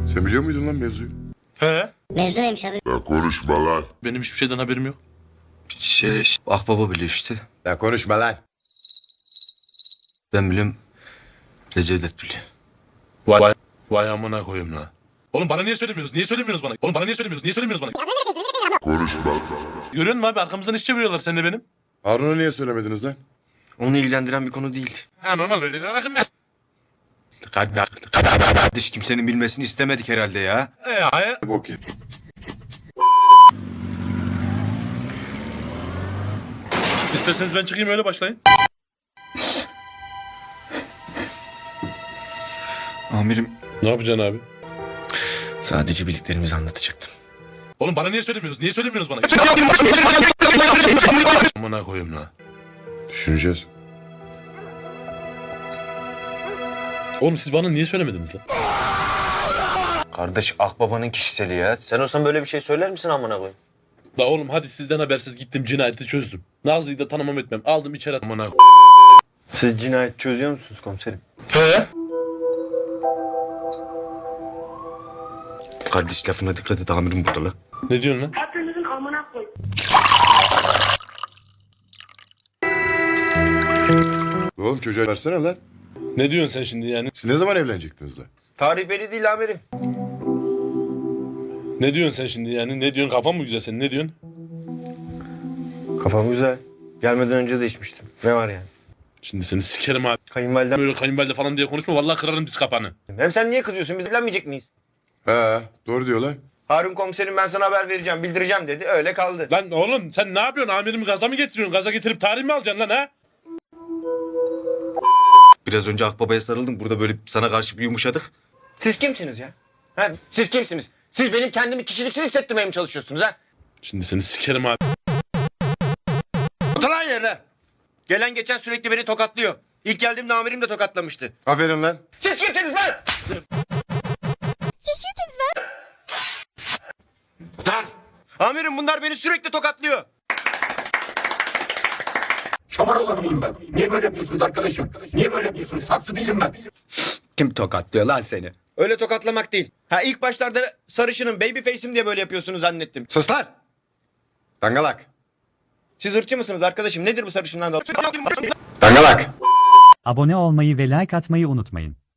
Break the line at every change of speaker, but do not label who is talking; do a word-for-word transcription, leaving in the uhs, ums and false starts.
Sen biliyor muydun lan mevzuyu?
He?
Mevzu neymiş abi?
Ya konuşma lan.
Benim hiçbir şeyden haberim yok.
Şey, Akbaba biliyor işte.
Ya konuşma lan.
Ben biliyorum. Recevdet biliyor.
Vay vay, vay amına koyayım lan. Oğlum bana niye söylemiyorsunuz? Niye söylemiyorsunuz bana? Oğlum bana niye söylemiyorsunuz? Niye söylemiyorsunuz bana?
Konuşma lan.
Görüyor musun abi arkamızdan iş çeviriyorlar sen de benim.
Harun'a niye söylemediniz lan?
Onu ilgilendiren bir konu değildi.
Ha normal öyle bakın ben.
Kardeş kimsenin bilmesini istemedik herhalde ya.
E hayır.
Bok ye.
İsterseniz ben çıkayım öyle başlayın.
Amirim,
Ne yapacaksın abi?
sadece bildiklerimizi anlatacaktım.
Oğlum bana niye söylemiyorsunuz? Niye söylemiyorsunuz bana? Amına koyayım lan.
Düşüneceğiz.
Oğlum siz bana niye söylemediniz lan?
Kardeş Akbaba'nın kişiseli ya. Sen olsan böyle bir şey söyler misin amına koyayım?
La oğlum hadi sizden habersiz gittim cinayeti çözdüm. Nazlı'yı da tanımam etmem. Aldım içeri at- amına
Siz cinayet çözüyor musunuz komiserim?
He?
Kardeş lafına dikkat et, amirim burada la.
Ne diyorsun lan?
Hepinizin amına koy.
Oğlum çocuğa versene lan.
Ne diyorsun sen şimdi yani?
Siz ne zaman evlenecektiniz lan?
Tarih belli değil amirim.
Ne diyorsun sen şimdi yani? Ne diyorsun? Kafan mı güzel senin? Ne diyorsun?
Kafam güzel. Gelmeden önce de içmiştim. Ne var yani?
Şimdi seni sikerim abi.
Kayınvalidem.
Böyle kayınvalide falan diye konuşma. Vallahi kırarım diz kapağını.
Hem sen niye kızıyorsun? Biz evlenmeyecek miyiz?
He doğru diyor lan.
Harun komiserim ben sana haber vereceğim, bildireceğim dedi. Öyle kaldı.
Lan oğlum sen ne yapıyorsun? Amirimi gaza mı getiriyorsun? Gaza getirip tarih mi alacaksın lan ha?
Biraz önce Akbaba'ya sarıldım. Burada böyle sana karşı bir yumuşadık. Siz kimsiniz ya? Ha? Siz kimsiniz? Siz benim kendimi kişiliksiz hissettirmeye mi çalışıyorsunuz ha?
Şimdi seni sikerim abi.
Otur lan yerine.
Gelen geçen sürekli beni tokatlıyor. İlk geldiğimde amirim de tokatlamıştı.
Aferin lan.
Siz kimsiniz lan?
Otur.
Amirim bunlar beni sürekli tokatlıyor.
Şamar olan mıyım ben? Niye böyle yapıyorsunuz arkadaşım? Niye böyle yapıyorsunuz? Saksı değilim ben.
Kim tokatlıyor lan seni? Öyle tokatlamak değil. Ha ilk başlarda sarışının baby face'im diye böyle yapıyorsunuz zannettim.
Sus lan. Dangalak.
Siz ırkçı mısınız arkadaşım? Nedir bu sarışından da?
Dangalak.
Abone olmayı ve like atmayı unutmayın.